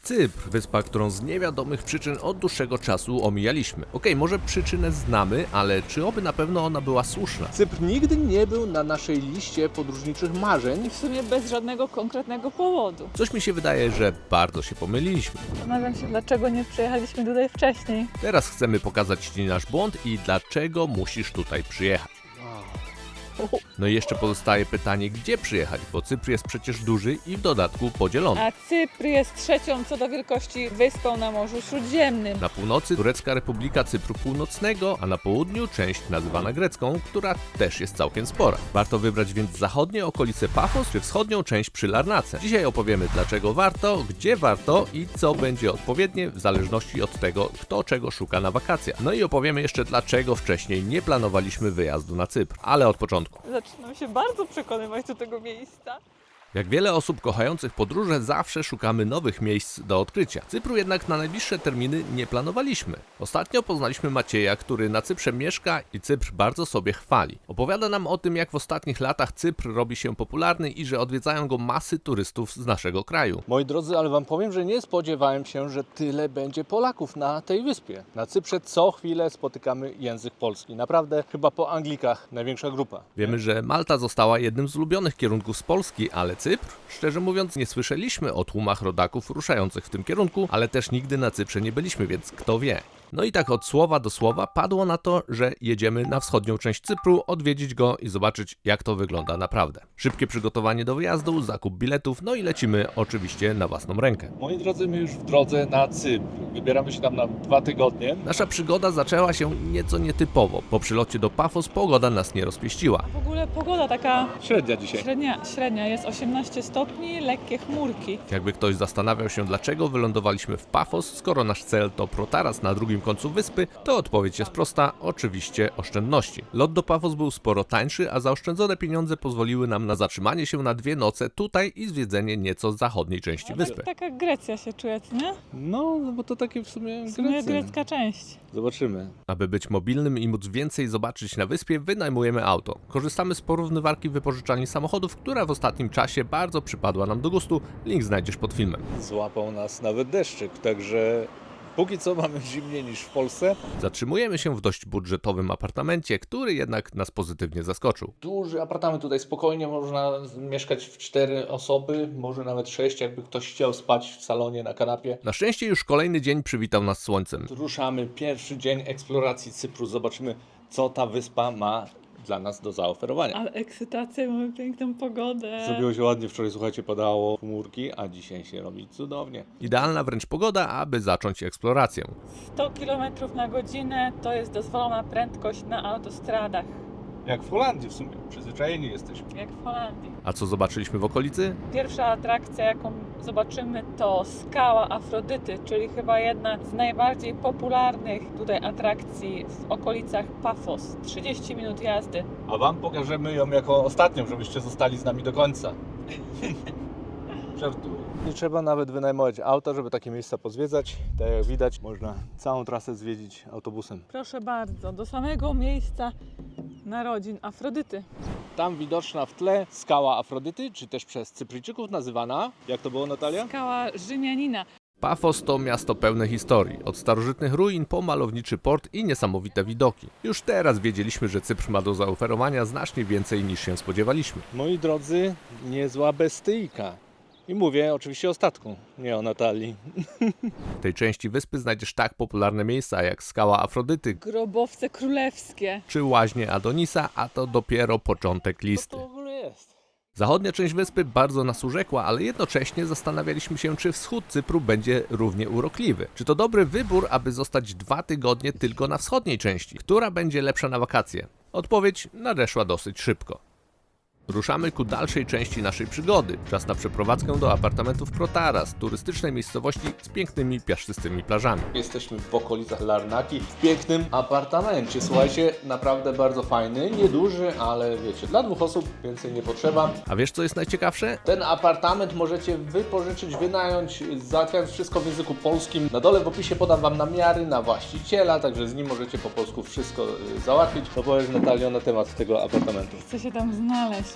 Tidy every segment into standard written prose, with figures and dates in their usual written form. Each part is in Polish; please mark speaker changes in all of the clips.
Speaker 1: Cypr, wyspa, którą z niewiadomych przyczyn od dłuższego czasu omijaliśmy. Okej, może przyczynę znamy, ale czy oby na pewno ona była słuszna?
Speaker 2: Cypr nigdy nie był na naszej liście podróżniczych marzeń.
Speaker 3: W sumie bez żadnego konkretnego powodu.
Speaker 1: Coś mi się wydaje, że bardzo się pomyliliśmy.
Speaker 3: Zastanawiam się, dlaczego nie przyjechaliśmy tutaj wcześniej.
Speaker 1: Teraz chcemy pokazać Ci nasz błąd i dlaczego musisz tutaj przyjechać. No i jeszcze pozostaje pytanie, gdzie przyjechać, bo Cypr jest przecież duży i w dodatku podzielony.
Speaker 3: A Cypr jest trzecią co do wielkości wyspą na Morzu Śródziemnym.
Speaker 1: Na północy Turecka Republika Cypru Północnego, a na południu część nazywana grecką, która też jest całkiem spora. Warto wybrać więc zachodnie okolice Pafos czy wschodnią część przy Larnace. Dzisiaj opowiemy, dlaczego warto, gdzie warto i co będzie odpowiednie w zależności od tego, kto czego szuka na wakacjach. No i opowiemy jeszcze, dlaczego wcześniej nie planowaliśmy wyjazdu na Cypr, ale od początku.
Speaker 3: Zaczynam się bardzo przekonywać do tego miejsca.
Speaker 1: Jak wiele osób kochających podróże, zawsze szukamy nowych miejsc do odkrycia. Cypru jednak na najbliższe terminy nie planowaliśmy. Ostatnio poznaliśmy Macieja, który na Cyprze mieszka i Cypr bardzo sobie chwali. Opowiada nam o tym, jak w ostatnich latach Cypr robi się popularny i że odwiedzają go masy turystów z naszego kraju.
Speaker 2: Moi drodzy, ale wam powiem, że nie spodziewałem się, że tyle będzie Polaków na tej wyspie. Na Cyprze co chwilę spotykamy język polski. Naprawdę chyba po Anglikach największa grupa.
Speaker 1: Wiemy, że Malta została jednym z ulubionych kierunków z Polski, ale Cypr? Szczerze mówiąc, nie słyszeliśmy o tłumach rodaków ruszających w tym kierunku, ale też nigdy na Cyprze nie byliśmy, więc kto wie. No i tak od słowa do słowa padło na to, że jedziemy na wschodnią część Cypru, odwiedzić go i zobaczyć, jak to wygląda naprawdę. Szybkie przygotowanie do wyjazdu, zakup biletów, no i lecimy oczywiście na własną rękę.
Speaker 2: Moi drodzy, my już w drodze na Cypr. Wybieramy się tam na 2 tygodnie.
Speaker 1: Nasza przygoda zaczęła się nieco nietypowo. Po przylocie do Pafos pogoda nas nie rozpieściła.
Speaker 3: W ogóle pogoda taka
Speaker 2: Średnia dzisiaj.
Speaker 3: średnia. Jest 18 stopni, lekkie chmurki.
Speaker 1: Jakby ktoś zastanawiał się, dlaczego wylądowaliśmy w Pafos, skoro nasz cel to Protaras na drugim końcu wyspy, to odpowiedź jest prosta, oczywiście oszczędności. Lot do Pafos był sporo tańszy, a zaoszczędzone pieniądze pozwoliły nam na zatrzymanie się na 2 noce tutaj i zwiedzenie nieco zachodniej części wyspy.
Speaker 3: Taka Grecja się czuje, nie?
Speaker 2: No, bo to takie w sumie
Speaker 3: W sumie grecka część.
Speaker 2: Zobaczymy.
Speaker 1: Aby być mobilnym i móc więcej zobaczyć na wyspie, wynajmujemy auto. Korzystamy z porównywarki wypożyczalni samochodów, która w ostatnim czasie bardzo przypadła nam do gustu. Link znajdziesz pod filmem.
Speaker 2: Złapał nas nawet deszczyk, także póki co mamy zimniej niż w Polsce.
Speaker 1: Zatrzymujemy się w dość budżetowym apartamencie, który jednak nas pozytywnie zaskoczył.
Speaker 2: Duży apartament tutaj, spokojnie można mieszkać w 4 osoby, może nawet 6, jakby ktoś chciał spać w salonie, na kanapie.
Speaker 1: Na szczęście już kolejny dzień przywitał nas słońcem.
Speaker 2: Ruszamy, pierwszy dzień eksploracji Cypru, zobaczymy co ta wyspa ma dla nas do zaoferowania.
Speaker 3: Ale ekscytacja, mamy piękną pogodę.
Speaker 2: Zrobiło się ładnie, wczoraj słuchajcie padało chmurki, a dzisiaj się robi cudownie.
Speaker 1: Idealna wręcz pogoda, aby zacząć eksplorację.
Speaker 3: 100 km na godzinę to jest dozwolona prędkość na autostradach.
Speaker 2: Jak w Holandii w sumie, przyzwyczajeni jesteśmy.
Speaker 3: Jak w Holandii.
Speaker 1: A co zobaczyliśmy w okolicy?
Speaker 3: Pierwsza atrakcja, jaką zobaczymy, to skała Afrodyty, czyli chyba jedna z najbardziej popularnych tutaj atrakcji w okolicach Pafos. 30 minut jazdy.
Speaker 2: A wam pokażemy ją jako ostatnią, żebyście zostali z nami do końca. Żartuję. Nie trzeba nawet wynajmować auta, żeby takie miejsca pozwiedzać. Tak jak widać, można całą trasę zwiedzić autobusem.
Speaker 3: Proszę bardzo, do samego miejsca narodzin Afrodyty.
Speaker 2: Tam widoczna w tle skała Afrodyty, czy też przez Cypryjczyków nazywana, jak to było, Natalia?
Speaker 3: Skała Rzymianina.
Speaker 1: Pafos to miasto pełne historii, od starożytnych ruin po malowniczy port i niesamowite widoki. Już teraz wiedzieliśmy, że Cypr ma do zaoferowania znacznie więcej niż się spodziewaliśmy.
Speaker 2: Moi drodzy, niezła bestyjka. I mówię oczywiście o statku, nie o Natalii.
Speaker 1: W tej części wyspy znajdziesz tak popularne miejsca jak skała Afrodyty
Speaker 3: Grobowce królewskie.
Speaker 1: czy łaźnie Adonisa, a to dopiero początek listy.
Speaker 2: Co to w ogóle jest?
Speaker 1: Zachodnia część wyspy bardzo nas urzekła, ale jednocześnie zastanawialiśmy się, czy wschód Cypru będzie równie urokliwy. Czy to dobry wybór, aby zostać 2 tygodnie tylko na wschodniej części? Która będzie lepsza na wakacje? Odpowiedź nadeszła dosyć szybko. Ruszamy ku dalszej części naszej przygody. Czas na przeprowadzkę do apartamentów Protaras, turystycznej miejscowości z pięknymi, piaszczystymi plażami.
Speaker 2: Jesteśmy w okolicach Larnaki, w pięknym apartamencie. Słuchajcie, naprawdę bardzo fajny, nieduży, ale wiecie, dla 2 osób więcej nie potrzeba.
Speaker 1: A wiesz, co jest najciekawsze?
Speaker 2: Ten apartament możecie wypożyczyć, wynająć, załatwiając wszystko w języku polskim. Na dole w opisie podam wam namiary na właściciela, także z nim możecie po polsku wszystko załatwić. Co powiesz, Natalio, na temat tego apartamentu?
Speaker 3: Chcę się tam znaleźć.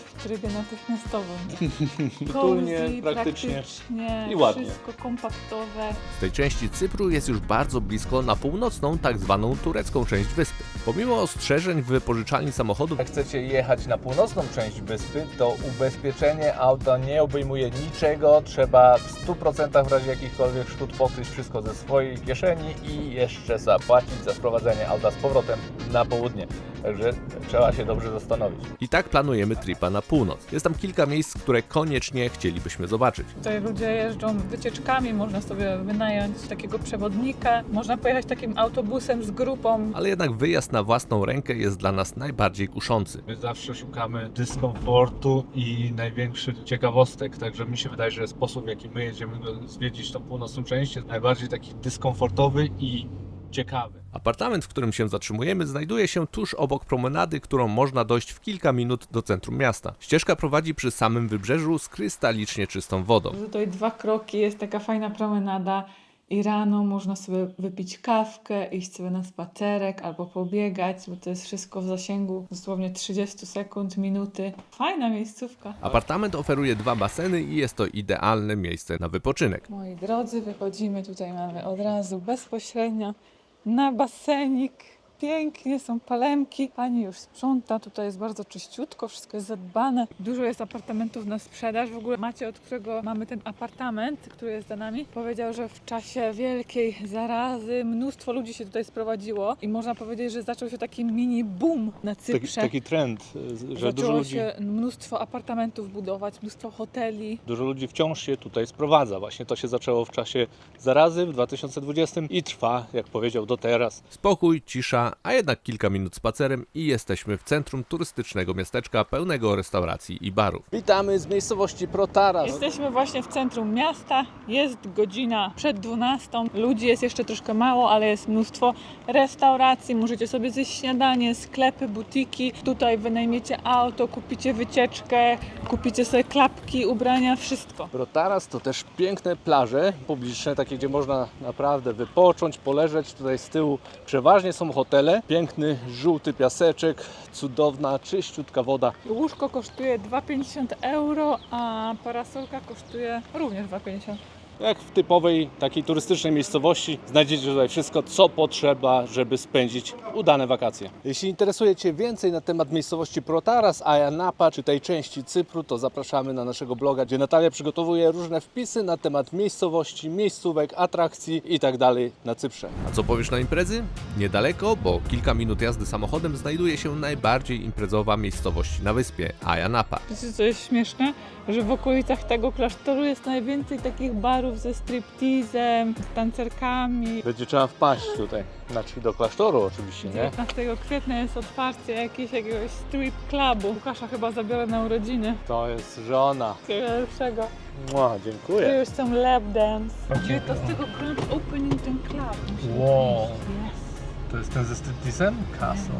Speaker 3: w trybie natychmiastowym.
Speaker 2: Przytulnie,
Speaker 3: Cozy,
Speaker 2: praktycznie.
Speaker 3: i
Speaker 2: I ładnie.
Speaker 3: Wszystko kompaktowe.
Speaker 1: Z tej części Cypru jest już bardzo blisko na północną, tak zwaną turecką część wyspy. Pomimo ostrzeżeń w wypożyczalni samochodów,
Speaker 2: Jak chcecie jechać na północną część wyspy, to ubezpieczenie auta nie obejmuje niczego. Trzeba w 100% w razie jakichkolwiek szkód pokryć wszystko ze swojej kieszeni i jeszcze zapłacić za sprowadzenie auta z powrotem na południe. Także trzeba się dobrze zastanowić.
Speaker 1: i tak planujemy tripa na północ. Jest tam kilka miejsc, które koniecznie chcielibyśmy zobaczyć.
Speaker 3: Tutaj ludzie jeżdżą wycieczkami, można sobie wynająć takiego przewodnika, można pojechać takim autobusem z grupą.
Speaker 1: Ale jednak wyjazd na własną rękę jest dla nas najbardziej kuszący.
Speaker 2: My zawsze szukamy dyskomfortu i największych ciekawostek, także mi się wydaje, że sposób, w jaki my jedziemy zwiedzić tą północną część, jest najbardziej taki dyskomfortowy i ciekawy.
Speaker 1: Apartament, w którym się zatrzymujemy, znajduje się tuż obok promenady, którą można dojść w kilka minut do centrum miasta. Ścieżka prowadzi przy samym wybrzeżu z krystalicznie czystą wodą.
Speaker 3: Tutaj 2 kroki, jest taka fajna promenada i rano można sobie wypić kawkę, iść sobie na spacerek albo pobiegać, bo to jest wszystko w zasięgu dosłownie 30 sekund, minuty. Fajna miejscówka.
Speaker 1: Apartament oferuje 2 baseny i jest to idealne miejsce na wypoczynek.
Speaker 3: Moi drodzy, wychodzimy, tutaj mamy od razu bezpośrednio na basenik. Pięknie, są palemki. Pani już sprząta, tutaj jest bardzo czyściutko, wszystko jest zadbane. Dużo jest apartamentów na sprzedaż. W ogóle Macie, od którego mamy ten apartament, który jest za nami, powiedział, że w czasie wielkiej zarazy mnóstwo ludzi się tutaj sprowadziło i można powiedzieć, że zaczął się taki mini boom na Cyprze.
Speaker 2: Taki trend, że
Speaker 3: Zaczęło się mnóstwo apartamentów budować, mnóstwo hoteli.
Speaker 2: dużo ludzi wciąż się tutaj sprowadza. Właśnie to się zaczęło w czasie zarazy w 2020 i trwa, jak powiedział, do teraz.
Speaker 1: Spokój, cisza, a jednak kilka minut spacerem i jesteśmy w centrum turystycznego miasteczka pełnego restauracji i barów.
Speaker 2: Witamy z miejscowości Protaras.
Speaker 3: Jesteśmy właśnie w centrum miasta, jest godzina przed 12, ludzi jest jeszcze troszkę mało, ale jest mnóstwo restauracji, możecie sobie zjeść śniadanie, sklepy, butiki, tutaj wynajmiecie auto, kupicie wycieczkę, kupicie sobie klapki, ubrania, wszystko.
Speaker 2: Protaras to też piękne plaże publiczne, takie gdzie można naprawdę wypocząć, poleżeć. Tutaj z tyłu przeważnie są hotele. Piękny, żółty piaseczek, cudowna, czyściutka woda.
Speaker 3: Łóżko kosztuje 2,50 euro, a parasolka kosztuje również 2,50.
Speaker 2: Jak w typowej takiej turystycznej miejscowości znajdziecie tutaj wszystko, co potrzeba, żeby spędzić udane wakacje. Jeśli interesuje Cię więcej na temat miejscowości Protaras, Ayia Napa czy tej części Cypru, to zapraszamy na naszego bloga, gdzie Natalia przygotowuje różne wpisy na temat miejscowości, miejscówek, atrakcji itd. na Cyprze.
Speaker 1: A co powiesz na imprezy? Niedaleko, bo kilka minut jazdy samochodem znajduje się najbardziej imprezowa miejscowość na wyspie, Ayia Napa.
Speaker 3: Wiecie, co jest śmieszne? Że w okolicach tego klasztoru jest najwięcej takich barów ze striptizem, z tancerkami.
Speaker 2: Będzie trzeba wpaść tutaj, znaczy do klasztoru oczywiście, nie?
Speaker 3: 19 kwietnia jest otwarcie jakiegoś strip clubu. Łukasza chyba zabiorę na urodziny.
Speaker 2: To jest żona.
Speaker 3: Pierwszego.
Speaker 2: Mua,
Speaker 3: Tu
Speaker 2: dziękuję.
Speaker 3: już są lap dance. 19 grand opening ten club.
Speaker 2: Wow.
Speaker 3: Yes.
Speaker 2: To jest ten ze stripteasem? Castle.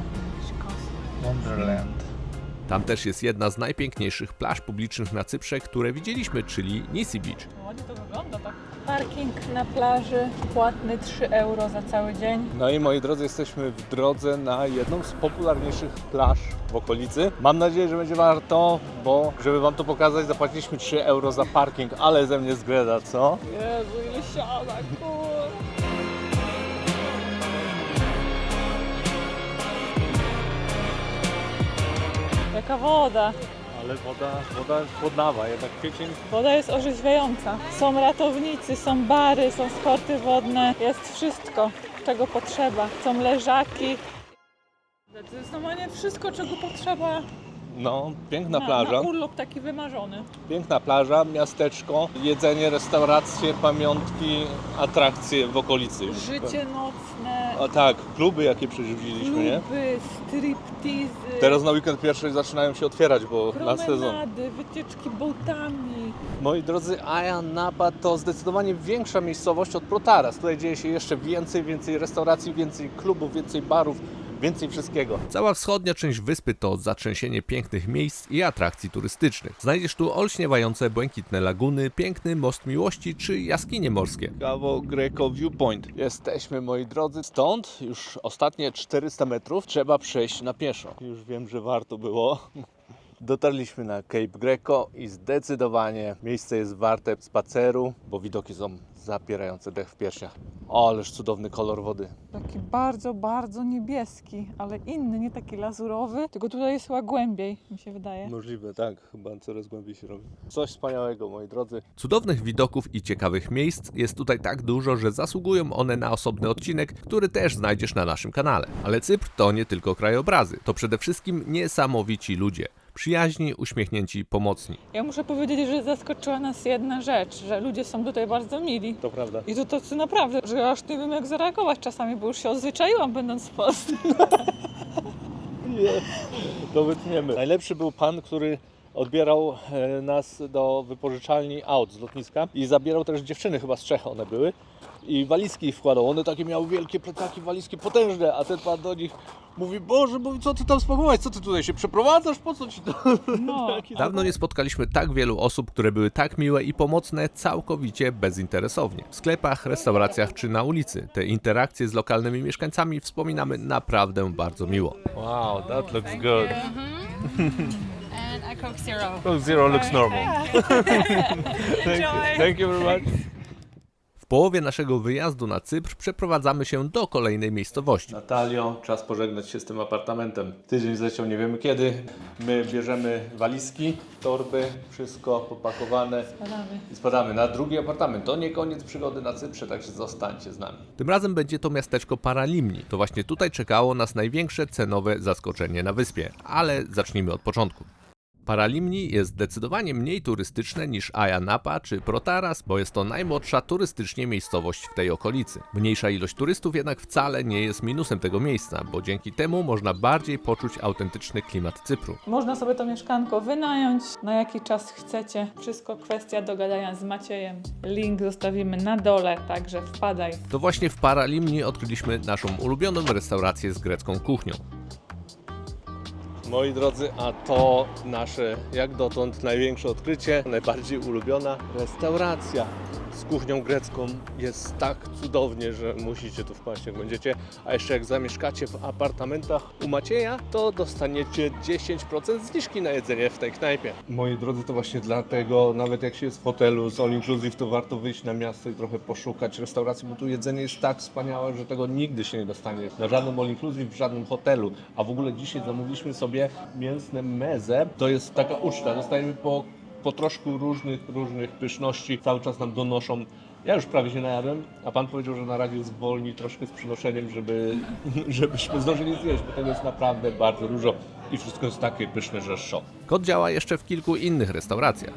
Speaker 2: Wonderland.
Speaker 1: Tam też jest jedna z najpiękniejszych plaż publicznych na Cyprze, które widzieliśmy, czyli Nisi Beach.
Speaker 3: Ładnie to wygląda tak. Parking na plaży, płatny 3 euro za cały dzień.
Speaker 2: No i moi drodzy, jesteśmy w drodze na jedną z popularniejszych plaż w okolicy. Mam nadzieję, że będzie warto, bo żeby Wam to pokazać, zapłaciliśmy 3 euro za parking, ale ze mnie zgreda, co?
Speaker 3: Jezu, ile siada, kur... Jaka woda.
Speaker 2: Ale woda chłodnawa, jednak kwiecień.
Speaker 3: Woda jest orzeźwiająca. Są ratownicy, są bary, są sporty wodne. Jest wszystko, czego potrzeba. Są leżaki. To jest normalnie wszystko, czego potrzeba
Speaker 2: No, piękna
Speaker 3: na
Speaker 2: plaża.
Speaker 3: urlop taki wymarzony.
Speaker 2: Piękna plaża, miasteczko, jedzenie, restauracje, pamiątki, atrakcje w okolicy. już.
Speaker 3: Życie nocne,
Speaker 2: A tak, kluby jakie przerzuciliśmy, nie?
Speaker 3: kluby, striptizy,
Speaker 2: Teraz na weekend pierwszy zaczynają się otwierać, bo na sezon.
Speaker 3: promenady, wycieczki boatami.
Speaker 2: Moi drodzy, Ayia Napa to zdecydowanie większa miejscowość od Protaras. Tutaj dzieje się jeszcze więcej restauracji, więcej klubów, więcej barów, więcej wszystkiego.
Speaker 1: Cała wschodnia część wyspy to zatrzęsienie pięknych miejsc i atrakcji turystycznych. Znajdziesz tu olśniewające błękitne laguny, piękny most miłości czy jaskinie morskie.
Speaker 2: Cabo Greco Viewpoint. Jesteśmy, moi drodzy, stąd już ostatnie 400 metrów trzeba przejść na pieszo. Już wiem, że warto było, Dotarliśmy na Cape Greco i zdecydowanie miejsce jest warte spaceru, bo widoki są zapierające dech w piersiach. O, ależ cudowny kolor wody.
Speaker 3: Taki bardzo, bardzo niebieski, ale inny, nie taki lazurowy, tylko tutaj jest chyba głębiej, mi się wydaje.
Speaker 2: Możliwe, tak, chyba coraz głębiej się robi. Coś wspaniałego, moi drodzy.
Speaker 1: Cudownych widoków i ciekawych miejsc jest tutaj tak dużo, że zasługują one na osobny odcinek, który też znajdziesz na naszym kanale. Ale Cypr to nie tylko krajobrazy, to przede wszystkim niesamowici ludzie. Przyjaźni, uśmiechnięci, pomocni.
Speaker 3: Ja muszę powiedzieć, że zaskoczyła nas jedna rzecz, że ludzie są tutaj bardzo mili.
Speaker 2: To prawda.
Speaker 3: I to tacy naprawdę, że aż nie wiem jak zareagować czasami, bo już się odzwyczaiłam będąc w Polsce.
Speaker 2: To wytniemy. Najlepszy był pan, który odbierał nas do wypożyczalni aut z lotniska i zabierał też dziewczyny, chyba z Czech one były. I walizki ich wkładał. One takie miały wielkie plecaki, walizki potężne, a ten pan do nich mówi: Boże, mówi, co ty tam spakować? Co ty tutaj się przeprowadzasz? Po co ci to?
Speaker 3: No.
Speaker 1: Dawno nie spotkaliśmy tak wielu osób, które były tak miłe i pomocne całkowicie bezinteresownie. W sklepach, restauracjach czy na ulicy. Te interakcje z lokalnymi mieszkańcami wspominamy naprawdę bardzo miło.
Speaker 2: Wow, that looks good.
Speaker 4: And a Coke Zero.
Speaker 2: Coke Zero looks normal. Thank you very much.
Speaker 1: W połowie naszego wyjazdu na Cypr przeprowadzamy się do kolejnej miejscowości.
Speaker 2: Natalio, czas pożegnać się z tym apartamentem. Tydzień zleciał nie wiemy kiedy. My bierzemy walizki, torby, wszystko popakowane i spadamy na drugi apartament. To nie koniec przygody na Cyprze, także zostańcie z nami.
Speaker 1: Tym razem będzie to miasteczko Paralimni. To właśnie tutaj czekało nas największe cenowe zaskoczenie na wyspie. Ale zacznijmy od początku. Paralimni jest zdecydowanie mniej turystyczne niż Ayia Napa czy Protaras, bo jest to najmłodsza turystycznie miejscowość w tej okolicy. Mniejsza ilość turystów jednak wcale nie jest minusem tego miejsca, bo dzięki temu można bardziej poczuć autentyczny klimat Cypru.
Speaker 3: Można sobie to mieszkanko wynająć, na jaki czas chcecie. Wszystko kwestia dogadania z Maciejem. Link zostawimy na dole, także wpadaj.
Speaker 1: To właśnie w Paralimni odkryliśmy naszą ulubioną restaurację z grecką kuchnią.
Speaker 2: Moi drodzy, a to nasze jak dotąd największe odkrycie, najbardziej ulubiona restauracja z kuchnią grecką. Jest tak cudownie, że musicie tu wpaść jak będziecie. A jeszcze jak zamieszkacie w apartamentach u Macieja, to dostaniecie 10% zniżki na jedzenie w tej knajpie. Moi drodzy, to właśnie dlatego, nawet jak się jest w hotelu z all inclusive, to warto wyjść na miasto i trochę poszukać restauracji, bo tu jedzenie jest tak wspaniałe, że tego nigdy się nie dostanie na żadnym all inclusive, w żadnym hotelu. A w ogóle dzisiaj zamówiliśmy sobie mięsne meze. To jest taka uczta. Dostajemy po troszku różnych pyszności. Cały czas nam donoszą. Ja już prawie się najadłem, a pan powiedział, że na razie zwolni troszkę z przynoszeniem, żebyśmy zdążyli zjeść, bo tego jest naprawdę bardzo dużo i wszystko jest takie pyszne, że szok.
Speaker 1: Kod działa jeszcze w kilku innych restauracjach.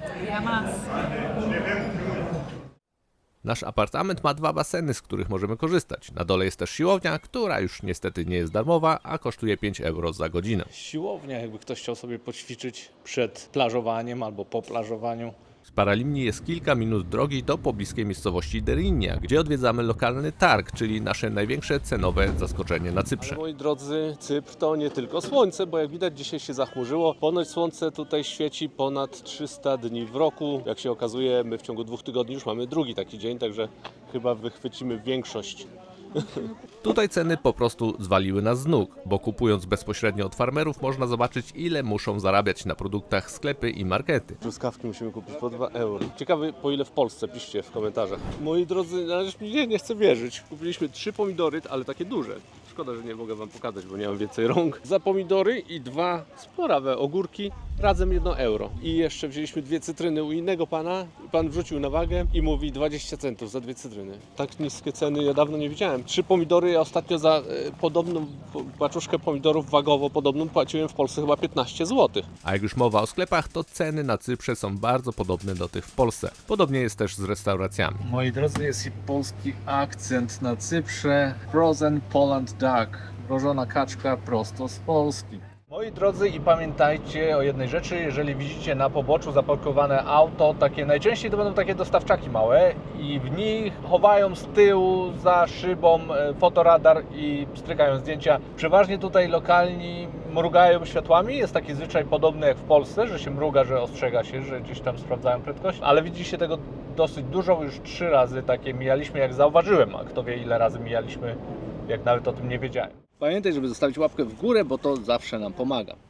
Speaker 1: Nasz apartament ma 2 baseny, z których możemy korzystać. Na dole jest też siłownia, która już niestety nie jest darmowa, a kosztuje 5 euro za godzinę.
Speaker 2: Siłownia, jakby ktoś chciał sobie poćwiczyć przed plażowaniem albo po plażowaniu.
Speaker 1: Z Paralimni jest kilka minut drogi do pobliskiej miejscowości Derinia, gdzie odwiedzamy lokalny targ, czyli nasze największe cenowe zaskoczenie na Cyprze.
Speaker 2: Ale moi drodzy, Cypr to nie tylko słońce, bo jak widać dzisiaj się zachmurzyło. Ponoć słońce tutaj świeci ponad 300 dni w roku. Jak się okazuje, my w ciągu 2 tygodni już mamy drugi taki dzień, także chyba wychwycimy większość.
Speaker 1: Tutaj ceny po prostu zwaliły nas z nóg, bo kupując bezpośrednio od farmerów można zobaczyć, ile muszą zarabiać na produktach sklepy i markety.
Speaker 2: Truskawki musimy kupić po 2 euro. Ciekawy, po ile w Polsce, piszcie w komentarzach. Moi drodzy, na razie nie chcę wierzyć. Kupiliśmy 3 pomidory, ale takie duże. Szkoda, że nie mogę wam pokazać, bo nie mam więcej rąk. Za pomidory i 2 sporawe ogórki, razem 1 euro. I jeszcze wzięliśmy 2 cytryny u innego pana. Pan wrzucił na wagę i mówi 20 centów za 2 cytryny. Tak niskie ceny ja dawno nie widziałem. 3 pomidory, ja ostatnio za podobną paczuszkę pomidorów wagowo podobną płaciłem w Polsce chyba 15 zł.
Speaker 1: A jak już mowa o sklepach, to ceny na Cyprze są bardzo podobne do tych w Polsce. Podobnie jest też z restauracjami.
Speaker 5: Moi drodzy, jest i polski akcent na Cyprze. Frozen Poland Duck. Mrożona kaczka prosto z Polski.
Speaker 2: Moi drodzy, i pamiętajcie o jednej rzeczy, jeżeli widzicie na poboczu zaparkowane auto, najczęściej to będą takie dostawczaki małe i w nich chowają z tyłu za szybą fotoradar i strykają zdjęcia. Przeważnie tutaj lokalni mrugają światłami, jest taki zwyczaj podobny jak w Polsce, że się mruga, że ostrzega się, że gdzieś tam sprawdzają prędkość, ale widzicie tego dosyć dużo, już 3 razy takie mijaliśmy, jak zauważyłem, a kto wie ile razy mijaliśmy, jak nawet o tym nie wiedziałem. Pamiętaj, żeby zostawić łapkę w górę, bo to zawsze nam pomaga.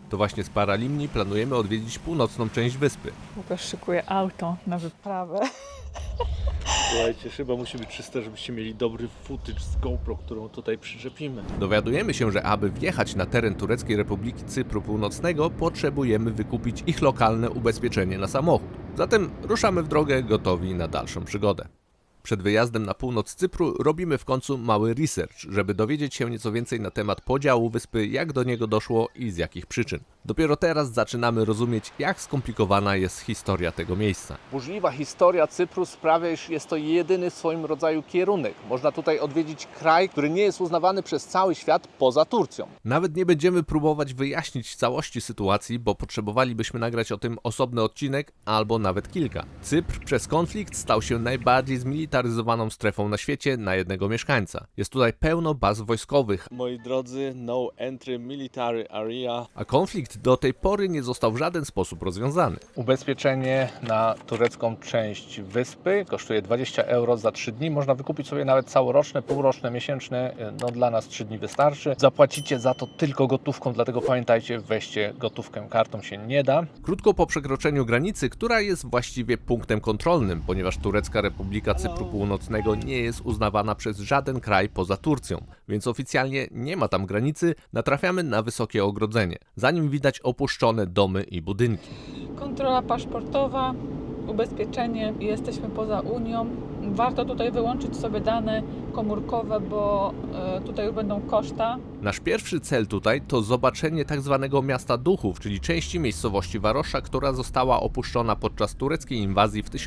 Speaker 1: To właśnie z Paralimni planujemy odwiedzić północną część wyspy.
Speaker 3: Łukasz szykuje auto na wyprawę.
Speaker 2: Słuchajcie, chyba musi być czyste, żebyście mieli dobry footage z GoPro, którą tutaj przyczepimy.
Speaker 1: Dowiadujemy się, że aby wjechać na teren Tureckiej Republiki Cypru Północnego, potrzebujemy wykupić ich lokalne ubezpieczenie na samochód. Zatem ruszamy w drogę gotowi na dalszą przygodę. Przed wyjazdem na północ Cypru robimy w końcu mały research, żeby dowiedzieć się nieco więcej na temat podziału wyspy, jak do niego doszło i z jakich przyczyn. Dopiero teraz zaczynamy rozumieć, jak skomplikowana jest historia tego miejsca.
Speaker 2: Burzliwa historia Cypru sprawia, iż jest to jedyny w swoim rodzaju kierunek. Można tutaj odwiedzić kraj, który nie jest uznawany przez cały świat poza Turcją.
Speaker 1: Nawet nie będziemy próbować wyjaśnić całości sytuacji, bo potrzebowalibyśmy nagrać o tym osobny odcinek albo nawet kilka. Cypr przez konflikt stał się najbardziej zmilitaryzowaną strefą na świecie na jednego mieszkańca. Jest tutaj pełno baz wojskowych,
Speaker 2: Moi drodzy, no entry military area.
Speaker 1: a konflikt do tej pory nie został w żaden sposób rozwiązany.
Speaker 2: Ubezpieczenie na turecką część wyspy kosztuje 20 euro za 3 dni. Można wykupić sobie nawet całoroczne, półroczne, miesięczne. No dla nas 3 dni wystarczy. Zapłacicie za to tylko gotówką, dlatego pamiętajcie, weźcie gotówkę, kartą się nie da.
Speaker 1: Krótko po przekroczeniu granicy, która jest właściwie punktem kontrolnym, ponieważ Turecka Republika Cypru Północnego nie jest uznawana przez żaden kraj poza Turcją, więc oficjalnie nie ma tam granicy, natrafiamy na wysokie ogrodzenie. Za nim widać opuszczone domy i budynki.
Speaker 3: Kontrola paszportowa, ubezpieczenie i jesteśmy poza Unią. Warto tutaj wyłączyć sobie dane komórkowe, bo tutaj już będą koszta.
Speaker 1: Nasz pierwszy cel tutaj to zobaczenie tak zwanego miasta duchów, czyli części miejscowości Varosha, która została opuszczona podczas tureckiej inwazji w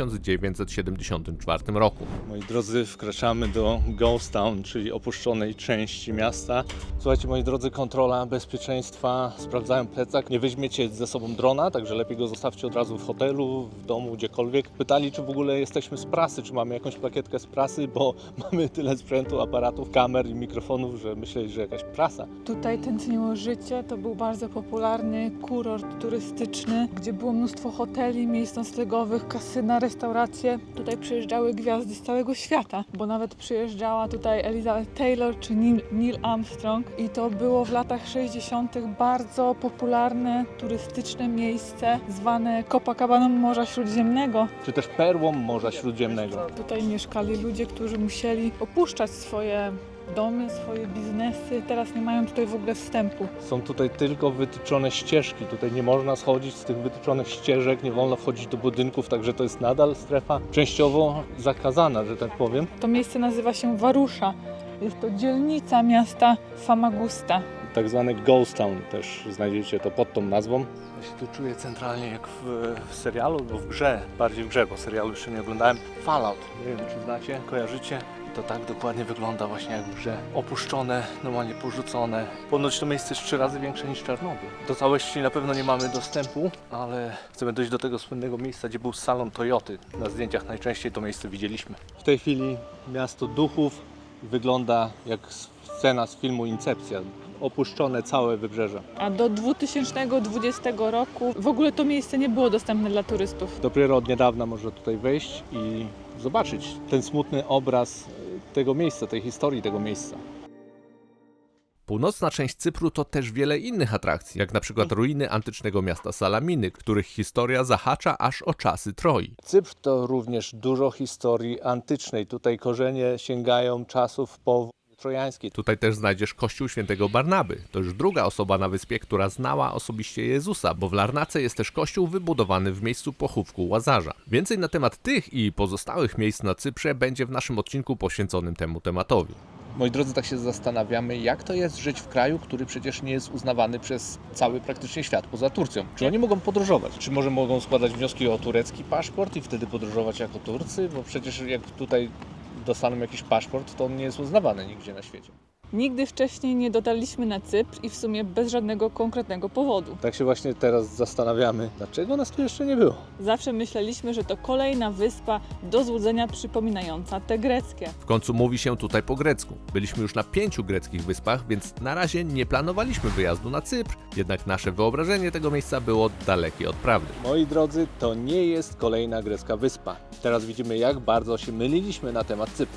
Speaker 1: 1974 roku.
Speaker 2: Moi drodzy, wkraczamy do Ghost Town, czyli opuszczonej części miasta. Słuchajcie, moi drodzy, kontrola bezpieczeństwa, sprawdzają plecak. Nie weźmiecie ze sobą drona, także lepiej go zostawcie od razu w hotelu, w domu, gdziekolwiek. Pytali, czy w ogóle jesteśmy z prasy, czy mamy jakąś plakietkę z prasy, bo mamy tyle sprzętu, aparatów, kamer i mikrofonów, że myśleli, że jakaś prasa.
Speaker 3: Tutaj tętniło życie, to był bardzo popularny kurort turystyczny, gdzie było mnóstwo hoteli, miejsc noclegowych, kasyna, restauracje. Tutaj przyjeżdżały gwiazdy z całego świata, bo nawet przyjeżdżała tutaj Elizabeth Taylor czy Neil Armstrong i to było w latach 60. bardzo popularne turystyczne miejsce zwane Copacabaną Morza Śródziemnego.
Speaker 2: Czy też perłą Morza Śródziemnego.
Speaker 3: Tutaj mieszkali ludzie, którzy musieli opuszczać swoje domy, swoje biznesy. Teraz nie mają tutaj w ogóle wstępu.
Speaker 2: Są tutaj tylko wytyczone ścieżki, tutaj nie można schodzić z tych wytyczonych ścieżek, nie wolno wchodzić do budynków, także to jest nadal strefa częściowo zakazana, że tak powiem.
Speaker 3: To miejsce nazywa się Varusha. Jest to dzielnica miasta Famagusta.
Speaker 2: Tak zwany Ghost Town, też znajdziecie to pod tą nazwą. Ja się tu czuję centralnie jak w serialu, albo w grze, bardziej w grze, bo serialu jeszcze nie oglądałem. Fallout, nie wiem czy znacie, kojarzycie? I to tak dokładnie wygląda właśnie jak w grze. Opuszczone, normalnie porzucone. Ponoć to miejsce jest 3 razy większe niż Czarnobyl. Do całości na pewno nie mamy dostępu, ale chcemy dojść do tego słynnego miejsca, gdzie był salon Toyoty. Na zdjęciach najczęściej to miejsce widzieliśmy. W tej chwili miasto duchów wygląda jak scena z filmu Incepcja. Opuszczone całe wybrzeże.
Speaker 3: A do 2020 roku w ogóle to miejsce nie było dostępne dla turystów.
Speaker 2: Dopiero od niedawna można tutaj wejść i zobaczyć ten smutny obraz tego miejsca, tej historii tego miejsca.
Speaker 1: Północna część Cypru to też wiele innych atrakcji, jak na przykład ruiny antycznego miasta Salaminy, których historia zahacza aż o czasy Troi.
Speaker 2: Cypr to również dużo historii antycznej. Tutaj korzenie sięgają czasów po trojańskiej.
Speaker 1: Tutaj też znajdziesz kościół świętego Barnaby. To już druga osoba na wyspie, która znała osobiście Jezusa, bo w Larnace jest też kościół wybudowany w miejscu pochówku Łazarza. Więcej na temat tych i pozostałych miejsc na Cyprze będzie w naszym odcinku poświęconym temu tematowi.
Speaker 2: Moi drodzy, tak się zastanawiamy, jak to jest żyć w kraju, który przecież nie jest uznawany przez cały praktycznie świat poza Turcją. Czy oni mogą podróżować? Czy może mogą składać wnioski o turecki paszport i wtedy podróżować jako Turcy? Bo przecież jak tutaj dostaną jakiś paszport, to on nie jest uznawany nigdzie na świecie.
Speaker 3: Nigdy wcześniej nie dotarliśmy na Cypr i w sumie bez żadnego konkretnego powodu.
Speaker 2: Tak się właśnie teraz zastanawiamy, dlaczego nas tu jeszcze nie było.
Speaker 3: Zawsze myśleliśmy, że to kolejna wyspa do złudzenia przypominająca te greckie.
Speaker 1: W końcu mówi się tutaj po grecku. Byliśmy już na 5 greckich wyspach, więc na razie nie planowaliśmy wyjazdu na Cypr, jednak nasze wyobrażenie tego miejsca było dalekie od prawdy.
Speaker 2: Moi drodzy, to nie jest kolejna grecka wyspa. Teraz widzimy, jak bardzo się myliliśmy na temat Cypru.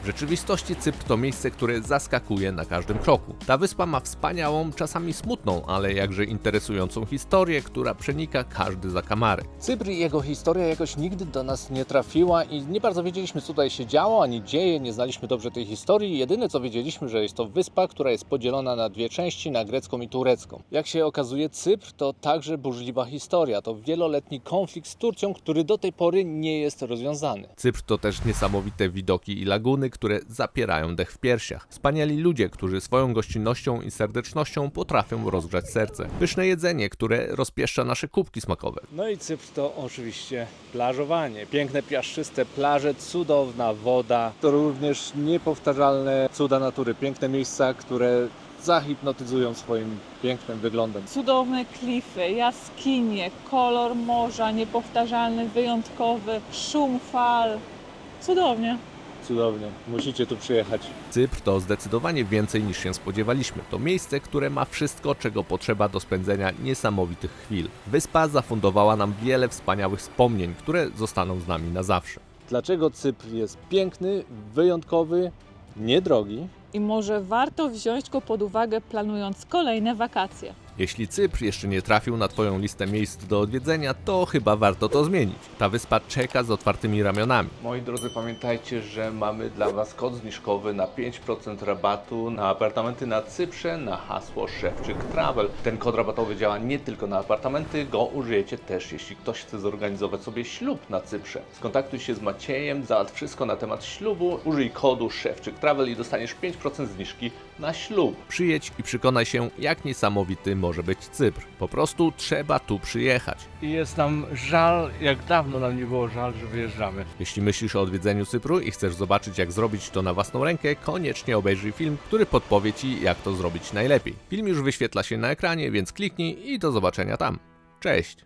Speaker 1: W rzeczywistości Cypr to miejsce, które zaskakuje na każdym kroku. Ta wyspa ma wspaniałą, czasami smutną, ale jakże interesującą historię, która przenika każdy zakamarek.
Speaker 2: Cypr i jego historia jakoś nigdy do nas nie trafiła i nie bardzo wiedzieliśmy, co tutaj się działo, ani dzieje, nie znaliśmy dobrze tej historii. Jedyne, co wiedzieliśmy, że jest to wyspa, która jest podzielona na dwie części, na grecką i turecką. Jak się okazuje, Cypr to także burzliwa historia. To wieloletni konflikt z Turcją, który do tej pory nie jest rozwiązany.
Speaker 1: Cypr to też niesamowite widoki i laguny, które zapierają dech w piersiach. Wspaniali ludzie, którzy swoją gościnnością i serdecznością potrafią rozgrzać serce. Pyszne jedzenie, które rozpieszcza nasze kubki smakowe.
Speaker 2: No i Cypr to oczywiście plażowanie. Piękne, piaszczyste plaże, cudowna woda. To również niepowtarzalne cuda natury. Piękne miejsca, które zahipnotyzują swoim pięknym wyglądem.
Speaker 3: Cudowne klify, jaskinie, kolor morza, niepowtarzalny, wyjątkowy, szum fal. Cudownie.
Speaker 2: Cudownie. Musicie tu przyjechać.
Speaker 1: Cypr to zdecydowanie więcej niż się spodziewaliśmy. To miejsce, które ma wszystko, czego potrzeba do spędzenia niesamowitych chwil. Wyspa zafundowała nam wiele wspaniałych wspomnień, które zostaną z nami na zawsze.
Speaker 2: Dlaczego Cypr jest piękny, wyjątkowy, niedrogi?
Speaker 3: I może warto wziąć go pod uwagę, planując kolejne wakacje.
Speaker 1: Jeśli Cypr jeszcze nie trafił na Twoją listę miejsc do odwiedzenia, to chyba warto to zmienić. Ta wyspa czeka z otwartymi ramionami.
Speaker 6: Moi drodzy, pamiętajcie, że mamy dla Was kod zniżkowy na 5% rabatu na apartamenty na Cyprze na hasło Szewczyk Travel. Ten kod rabatowy działa nie tylko na apartamenty, go użyjecie też, jeśli ktoś chce zorganizować sobie ślub na Cyprze. Skontaktuj się z Maciejem, załatw wszystko na temat ślubu, użyj kodu Szewczyk Travel i dostaniesz 5% zniżki na ślub.
Speaker 1: Przyjedź i przekonaj się, jak niesamowity może być Cypr. Po prostu trzeba tu przyjechać.
Speaker 7: I jest nam żal, jak dawno nam nie było żal, że wyjeżdżamy.
Speaker 1: Jeśli myślisz o odwiedzeniu Cypru i chcesz zobaczyć, jak zrobić to na własną rękę, koniecznie obejrzyj film, który podpowie Ci, jak to zrobić najlepiej. Film już wyświetla się na ekranie, więc kliknij i do zobaczenia tam. Cześć!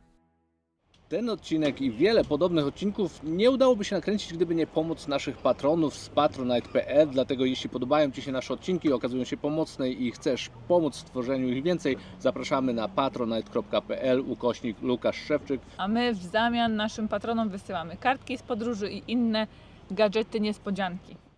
Speaker 2: Ten odcinek i wiele podobnych odcinków nie udałoby się nakręcić, gdyby nie pomoc naszych patronów z patronite.pl. Dlatego jeśli podobają Ci się nasze odcinki, okazują się pomocne i chcesz pomóc w tworzeniu ich więcej, zapraszamy na patronite.pl/Łukasz Szewczyk.
Speaker 3: A my w zamian naszym patronom wysyłamy kartki z podróży i inne gadżety niespodzianki.